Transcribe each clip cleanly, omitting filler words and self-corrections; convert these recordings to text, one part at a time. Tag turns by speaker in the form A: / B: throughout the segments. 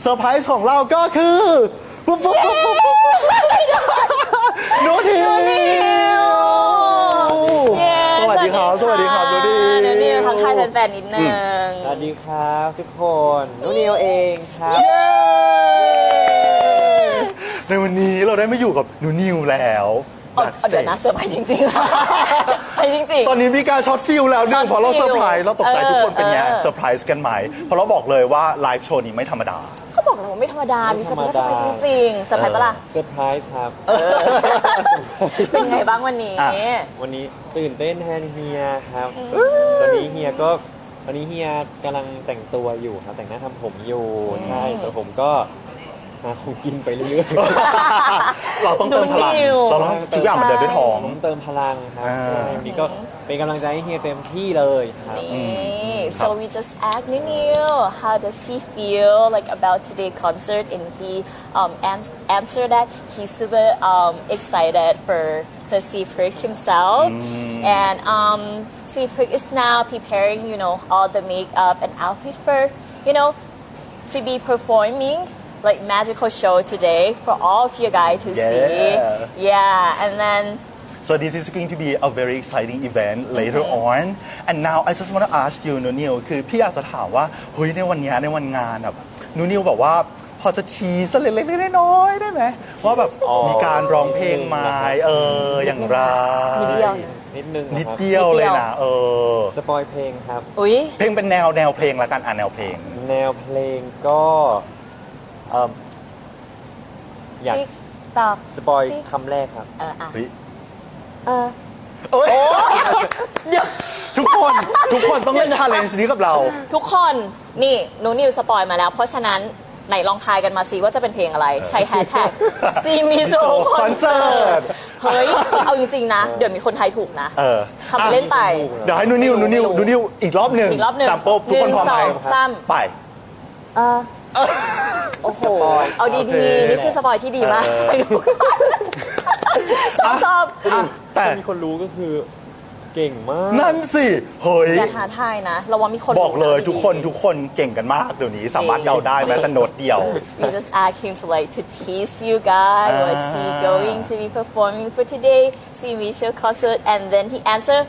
A: เซอร์ไพรส์ของเราก็คือปุ๊บปุ๊บปุ๊บปุ๊บปุ๊บนูนิวสวัสดีครับสวัสดีครับนูนิว
B: ทักทายแฟนๆนิดนึง
C: สวัสดีครับทุกคนนุนิวเองครับ
A: ในวันนี้เราได้มาอยู่กับนูนิวแล้ว
B: เดี๋ยวนะเซอร์ไพรส์จริงๆไปจริงๆ
A: ตอนนี้มีการช็อตฟิลแล้วนึงเพราะเรา
B: ช็
A: เซ
B: อ
A: อ
B: ตฟิล
A: ร์ไพรส์เราตกใจทุกคนเป็นไง
B: เออ
A: เซอร์ไพรส์กันไหมเพราะเราบอกเลยว่าไลฟ์โชว์นี้ไม่ธรรมดา
B: ก็บอกแล้วว่าไม่ธรรมดา มีเซอร์ไพรส์จริงๆเซอร์ไพรส์ปะล่ะ
C: เซอร์ไพรส์ครับ
B: เป็นไงบ้างวันนี้
A: อ่ะ
C: วันนี้ตื่นเต้นแทนเฮียครับตอนนี้เฮียกำลังแต่งตัวอยู่ครับแต่งหน้าทำผมอยู่ใช่ส่วนผมก็หาของกินไปเรื่อยๆ
A: เราต้องเติมพลังเราต้องทุกอย่างมันเดินด้วยท้อง
C: ผมเติมพลังครับ
A: อ่า
C: ใช่วันนี้ก็เป็นกำลังใจให้เฮียเต็มที่เลยครับ
B: So we just asked Neil how does he feel like about today's concert, and he answered that he's super excited for Seaprick himself, and Seaprick is now preparing all the makeup and outfit for to be performing like magical show today for all of you guys to see. Yeah, and then.
A: So this is going to be a very exciting event later on. And now I just want to ask you นูนิวคือพี่อยากจะถามว่าเฮ้ยในวันเนี้ยในวันงานแบบนูนิวแบบว่าพอจะทีสักเล็กๆน้อยๆได้ไหมว่าแบบมีการร้องเพลงไหมอย่างไร
B: นิดเดียวนะ
C: นิดนึง
A: นิด
C: นะครับ
A: เดียวเลยนะ
C: สปอยเพลงครับ
B: อุ๊ย
A: เพลงเป็นแนวเพลงละกันแนวเพลง
C: แนวเพลงก็อยาก
B: ติ๊กตอก
C: สปอยคำแรกครับ
B: อ่ะ
A: เฮ้ย
B: เออ
A: เอ้ยทุกคนต้องเล่นชาเลนจ์นี้กับเรา
B: ทุกคนนี่หนูนิวสปอยมาแล้ว เพราะฉะนั้นไหนลองทายกันมาสิว่าจะเป็นเพลงอะไร ใช้แฮชแท็กซีมิโซคอนเสิร์ตเฮ้ย เอาจริงๆนะ เดี๋ยวมีคนทายถูกนะทำเล่นไป
A: เดี๋ยวให้นูนิวอีกรอบหนึ่ง
B: อีกรอบหนึ่ง
A: สามโป๊บทุกคนพร้อมไหม
B: 1 2 3
A: ไป
B: โอ้โห
C: สปอย
B: เอา
A: โอเค
B: ดีๆ นี่คือสปอยที่ดีมากชอบ
A: แต่
C: ถ้ามีคนรู้ก็คือเก่งมาก
A: นั่นสิเฮ้ย
B: อย่าท้าทายนะเราว่ามีคน
A: บอกเลย
B: รู้นะ
A: ทุกคนเก่งกันมากเดี๋ยวนี้สามารถเดาได้แม้แต่โน้ตเดียว
B: We just asked him to tease you guys. What's he going to be performing for today? See Michelle concert, and then he answered,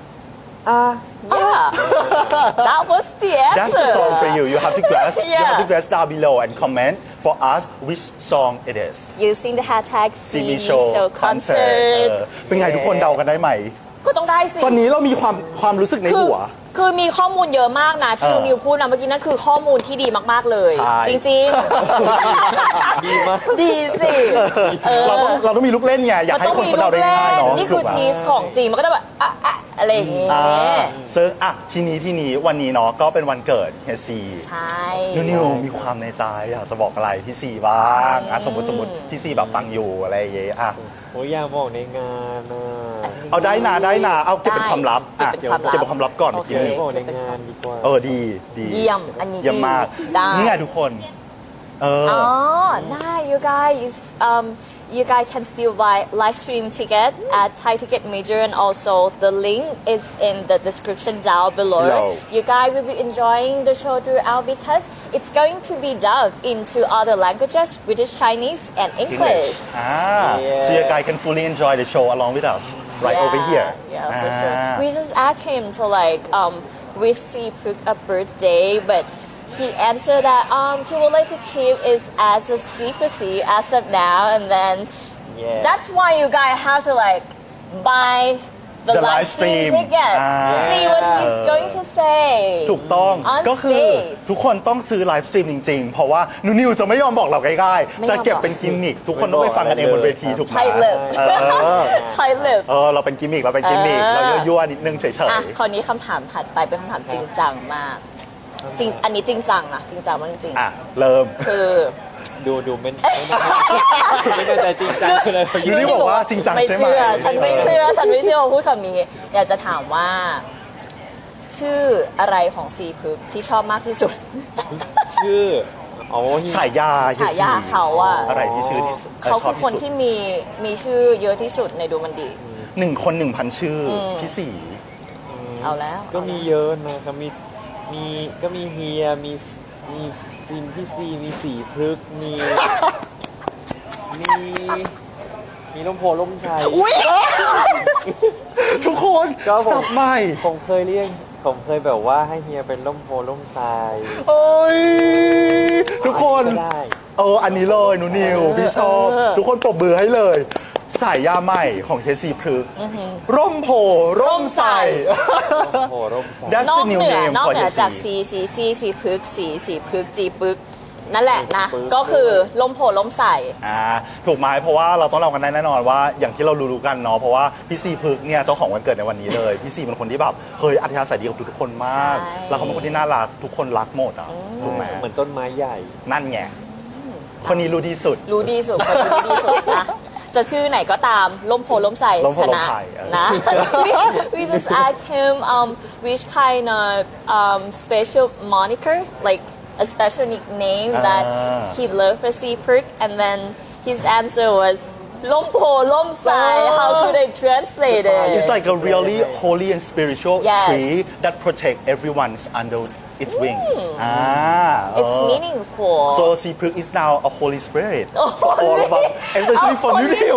B: yeah. That was the answer.
A: That's the song for you. You have to guess. You
B: Yeah.
A: have to guess down below and comment for us which song it is.
B: Using the hashtag
A: See
B: See
A: Michelle
B: Michelle
A: concert.
B: concert.
A: เป็นไงทุกคนเดากันได้ไหม
B: ก็ต้องได้สิ
A: ตอนนี้เรามีความรู้สึกในหัว
B: คือมีข้อมูลเยอะมากนะที่นิวพูดนะเมื่อกี้นั่นคือข้อมูลที่ดีมากๆเลย
A: ใช่
B: จริง
C: ดีมาก
B: ๆ ดีสิ
A: เราต้องมีลูกเล่นไงอยากให้คนเขาเดาได้ง่ายเนาะ
B: นี่คือ
A: ถูกปะ
B: ทีสของจริงมันก็จะแบบอะไรอย่างเงี้ย
A: ซึ่งทีนี้วันนี้เนาะก็เป็นวันเกิดเฮยซี
B: ใช่
A: นิวมีความในใจอยากจะบอกอะไรพี่ซีบ้างสมมติพี่ซีแบบฟังอยู่อะไรอย่างเงี้ย
C: โอ้ยอยากบอกในงานนะ
A: เอาได้นะเอาเก็บเป็นความลับเก็บเป็นความลับก่อน
B: โอ
A: เมื่อ
B: เค
A: กี้
C: บอกในงานดีกว่า
A: ดี
B: เยี่ยมอันนี้
A: เยี่ยมมาก
B: ได้
A: นี่ไงทุกคน
B: ได้ you guys can still buy live stream ticket at Thai Ticket Major, and also the link is in the description down below. You guys will be enjoying the show throughout because it's going to be dubbed into other languages, British, Chinese, and English.
A: So you guys can fully enjoy the show along with us right over here.
B: Yeah, for sure. We just asked him to wish Seaprick a birthday, but he answered that he would like to keep it as a secrecy as of now, and then that's why you guys have to buy the live stream ticket to see what he's going to say.
A: ถูกต้อง
B: On
A: ก็คือ
B: stage
A: ทุกคนต้องซื้อไลฟ์สตรีมจริงๆ เพราะว่านิวจะไม่ยอมบอกเราง่ายๆ จะเก็บเป็นกิมมิคทุกคนต้องไปฟังกันเองบนเวทีถูกไหม
B: ใช่เลยใช่เลย
A: เราเป็นกิมมิคเรายั่วๆนิดนึงเฉย
B: คราวนี้คำถามถัดไปเป็นคำถามจริงจังมากจริงอันนี้จริงจังนะจริงจังมากจริง
A: ๆเริ่ม
B: คือ
C: ดูไม่แน่ใจจริงจังเลย
A: นิวนี่บอกว่าจริงจัง
B: ไม่
A: ใช่ไหม
B: เชื่อฉันไม่เชื่อว่าพูดคำนี้อยากจะถามว่า ชื่ออะไรของซีพึกที่ชอบมากที่สุด
C: ชื่อ
A: ฉายา
B: เขาอะ
A: อะไรที่ชื่อที่
B: เขาคือคนที่มีชื่อเยอะที่สุดในดูมันดี
A: 1 คน 1,000 ชื่อพี่สี
B: เอาแล้ว
C: ก็มีเยอะนะครับก็มีเฮียมีซีนพี่ซีมีสีพฤกษ์มีร่มโพล่มไทร
A: อุ้ยทุกคน
C: ก็ผม
A: สับใหม่
C: ผมเคยแบบว่าให้เฮียเป็นร่มโพล่มไทร
A: โอ้ยทุกคน
C: ก็ได้
A: อันนี้เลยหนูนิวพี่ชอบ ทุกคนปรบมือให้เลย สายยาใหม่ของเทซีพฤกษ์ร่มโพร่มใส
C: ร่มโพล่มไทร
A: That's
B: นอ
A: the
B: ก
A: new
B: เหนือ
A: name
B: นอก
A: for
B: เหนือ
A: the
B: จาก
A: sea
B: สีพฤกษ์สีพฤกษ์จีปึกนั่นแหละนะ
C: ปึก
B: ก็คือลมโพลมใส่
A: ถูกไหมเพราะว่าเราต้องเล่ากันได้แน่นอนว่าอย่างที่เรารู้ๆกันเนาะเพราะว่าพี่ซีพึกษ์เนี่ยเจ้าของวันเกิดในวันนี้เลย พี่ซีเป็นคนที่แบบเฮ้ยอัธยาศัยดีกับทุกๆคนมาก
B: ใช่
A: แล้วเขาเป็นคนที่น่ารักทุกคนรักหมดอ่ะถูกไหม
C: เหมือนต้นไม้ใหญ่
A: นั่นไงคนนี้รู้ดีสุด
B: รู้ดีสุดคนรู้ดีสุดนะ จะชื่อไหนก็ตามลมโพลมใส่
A: ลมโพ
B: ช
A: ลม
B: นะ
A: ไผ่
B: นะ we just asked him which kind of special moniker like a special nickname that he loved for Sea Prick and then his answer was ลมโพลมใส่ how could I translate it
A: It's like a really holy and spiritual
B: Yes.
A: tree that protect everyone's under its wings
B: it's meaningful
A: So Sea Prick is now a holy spirit for all of us especially for
B: Holy
A: you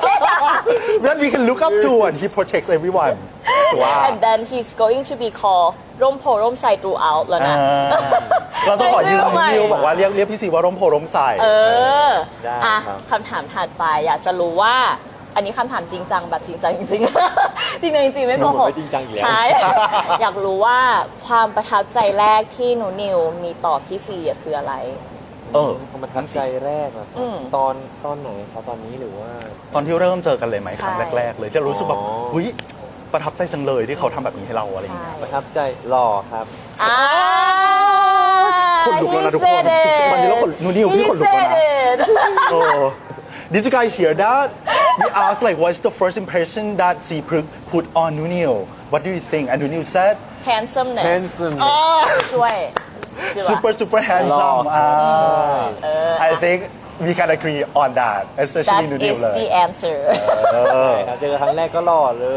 A: that we can look up to and he protects everyone ว้าว
B: and then he's going to be called ร่มโพร่มใส่ throughout แล้วนะ
A: เราต้องขอยืม
B: ไม่ไหว
A: นิวบอกว่าเรียกพี่ซีว่าร่มโพร่มใส
C: ได้
B: อ่ะ
C: ครับ
B: คำถามถัดไปอยากจะรู้ว่า อันนี้คำถามจริงจังแบบจริงจังจริงๆ จริงๆจริงๆไม่โกห
C: ผม
B: ก
C: ไม่จริงจังอยู่แล้ว
B: ใช่ อยากรู้ว่าความประทับใจแรกที่หนูนิวมีต่อพี่ซีอะคืออะไร
C: ความประทับใจแรกอะครับตอนไหนครับตอนนี้หรือว่า
A: ตอนที่เริ่มเจอกันเลยไหมครั้ง
B: ใช่
A: แรก ๆ เลยที่เรารู้สึกแบบ
C: อ๋อ
A: เฮ้ยประทับใจจังเลยที่เขาทำแบบนี้ให้เราอะไรอย่างเงี้ย
C: ประทับใจหล่อครับ
B: อ่า
A: คนลุกแล้วนะทุกคน
B: He said it
A: วันนี้เราขนหนูนิวพี่ขนลุกแล้วนะ
B: He said it
A: Did you guys hear that? We asked like what's the first impression that Seapruk put on Nunil? What do you think? And Nunil said
B: handsomeness
C: handsome
B: ช่วยใช่ปะ
A: super handsome.
C: หล่อครับ
A: I think we can agree on that, especially
B: that
A: Nunil
B: is
A: เลย
B: the answer
C: ใช่ครับเจอครั้งแรกก็หล่อเลย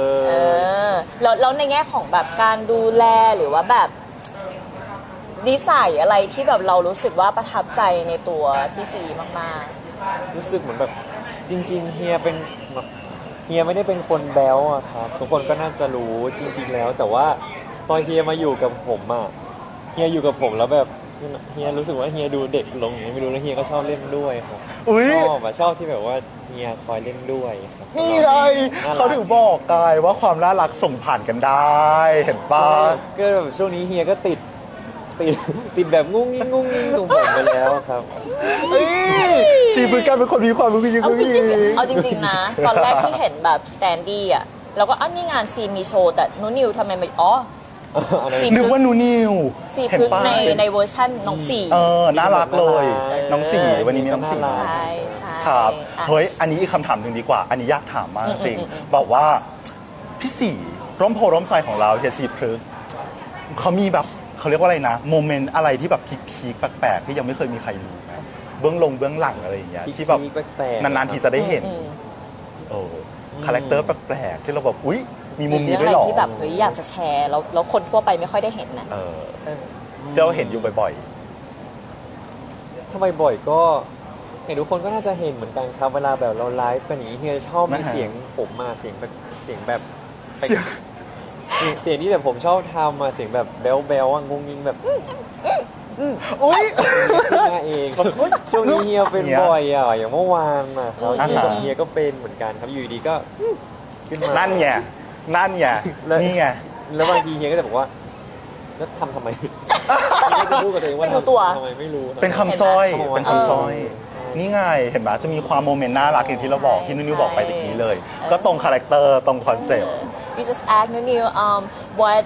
B: แล้วในแง่ของแบบการดูแลหรือว่าแบบนิสัยอะไรที่แบบเรารู้สึกว่าประทับใจในตัวพี่ซีมาก
C: รู้สึกเหมือนแบบจริงๆเฮียเป็นแบบเฮียไม่ได้เป็นคนแบ๊วอะครับทุกคนก็น่าจะรู้จริง ๆ แล้ว แต่ว่าพอเฮียมาอยู่กับผมอะเฮียอยู่กับผมแล้วแบบเฮียรู้สึกว่าเฮียดูเด็กลงอย่างนี้ไม่รู้แล้วเฮียก็ชอบเล่นด้วยครับ
A: อุ๊ย
C: ชอบที่แบบว่าเฮียคอยเล่นด้วยครับ
A: นี่ไงเขาถึงบอกกายว่าความน่ารักส่งผ่านกันได้ เห็นปะ
C: ก็แบบช่วงนี้เฮียก็ติดแบบงุ้งงิ้งของผมไปแล้วครับ
A: ซีพึกกันเป็นคนมีความรู้ยิ่ง
B: ๆ เอาจ
A: ยิ่
B: ริง
A: ง
B: ๆเอาจริงๆนะ ตอนแรกที่เห็นแบบสแตนดี้อ่ะเราก็นี่งานซีมีโชว์แต่นุนิวทำไมไม่ซี
A: นึกว่าหนูนิว
B: ซี
A: เห็น
B: พึก
A: ปะ
B: ในเวอร์ชั่นน้องสี่
A: น่ารักเลย น้องสี่วันนี้มีน้องสี่
C: น่ารัก
B: ใช่ใช่
A: ครับ
B: อ่ะ
A: เฮ้ยอันนี้อีกคำถามหนึ่งดีกว่า อันนี้อยากถามมากจริงบอกว่าพี่สี่ร่มโพร่มไทรของเราเฮียซีพฤกษ์เขามีแบบเขาเรียกว่าอะไรนะโมเมนต์อะไรที่แบบพีคๆแปลกๆที่ยังไม่เคยมีใครมีไหมเบื้องหลังอะไรอย่างเงี้ยที่แบบ
C: แปลกๆ
A: นานๆทีจะได้เห็นคาแรคเตอร์แปลกๆที่เราแบบอุ๊ยมีมุมนี้
B: เรื่
A: ด้วยเหรอ
B: อะไรที่แบบเฮ้ยอยากจะแชร์แล้วคนทั่วไปไม่ค่อยได้เห็นนะ
A: ที่เราเห็นอยู่บ่อย
C: ถ้าบ่อยๆก็เห็นทุกคนก็น่าจะเห็นเหมือนกันครับเวลาแบบเราไลฟ์กันอย่างนี้เฮียชอบมีเสียงผมมาเสียงแบบ
A: ๆเสียง
C: เสียงที่แบบผมชอบทำมาเสียงแบบแบ๊วๆอ่ะงงงิงแบบ
A: อุ๊ย
C: ขึ้นมาเองช่วงนี้เฮียเป็นบ่อยอ่ะอย่างเมื่อวานอ่ะครับ
A: อ่าฮะ
C: เฮียก็เป็นเหมือนกันครับอยู่ดีๆก็ขึ้นมา
A: นั่นไงนี่ไง
C: แล้วบางทีเฮียก็จะบอกว่าแล้วทำไมเฮียก็จะพูดกับตัวเองว่า
B: ไม่รู้ตัว
C: ทำไมไม่รู้
A: เป็นคำสร้อย
C: เห็นไหม
A: เป็นคำสร้อย นี่ไง เห็นไหมจะมีความโมเมนต์น่ารักอย่างที่เราบอกที่นุ่นๆบอกไปตะกี้เลย ก็ตรงคาแรคเตอร์ตรงคอนเซ็ปต์
B: We just asked Nunil what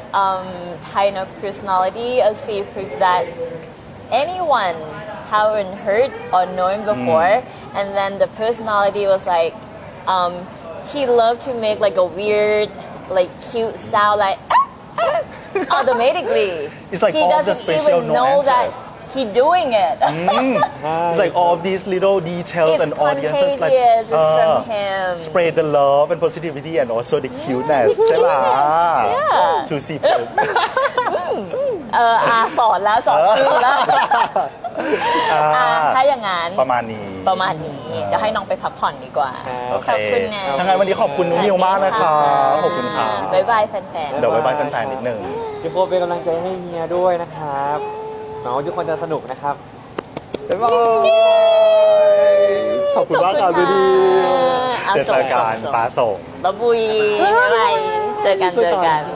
B: kind of personality of Seafood that anyone haven't heard or known before, and then the personality was like he loved to make like a weird, like cute sound, like automatically.
A: It's like
B: he
A: all the
B: doesn't
A: special
B: even know that
A: nuances.
B: he doing it.
A: It's like all of these little details
B: It's
A: and audiences like
B: contagious. It's from him.
A: spread the love and positivity and also the cuteness ใช่ไหม
B: Yeah.
A: to see
B: สอนแล้วสอนครูแล้ว
A: อ่า
B: ถ้าอย่างนั้น
A: ประมาณนี้
B: ประมาณนี้เดี๋ยวให้น้องไปพักผ่อนดีกว่า
A: โอเค
B: ขอบคุณนะ
A: ทั้างนั้นวันนี้ขอบคุณนุ้นิวมากนะคะขอบคุณค่ะ
B: บ๊ายบายแฟนๆ
A: เดี๋ยวบ๊ายบายแฟนๆนิดนึง
C: ทุกคนเป็นกำลังใจให้เฮียด้วยนะครับหวังว่าทุกคนจะสนุกนะครับ
A: บ๊ายบายขอบคุณมากครับดูดี
B: อ่ะ
A: เดี๋ยวเจอกัน
B: ส่ง
A: ป้าส่ง
B: บ๊ายบุยบ๊ายบายเจอกัน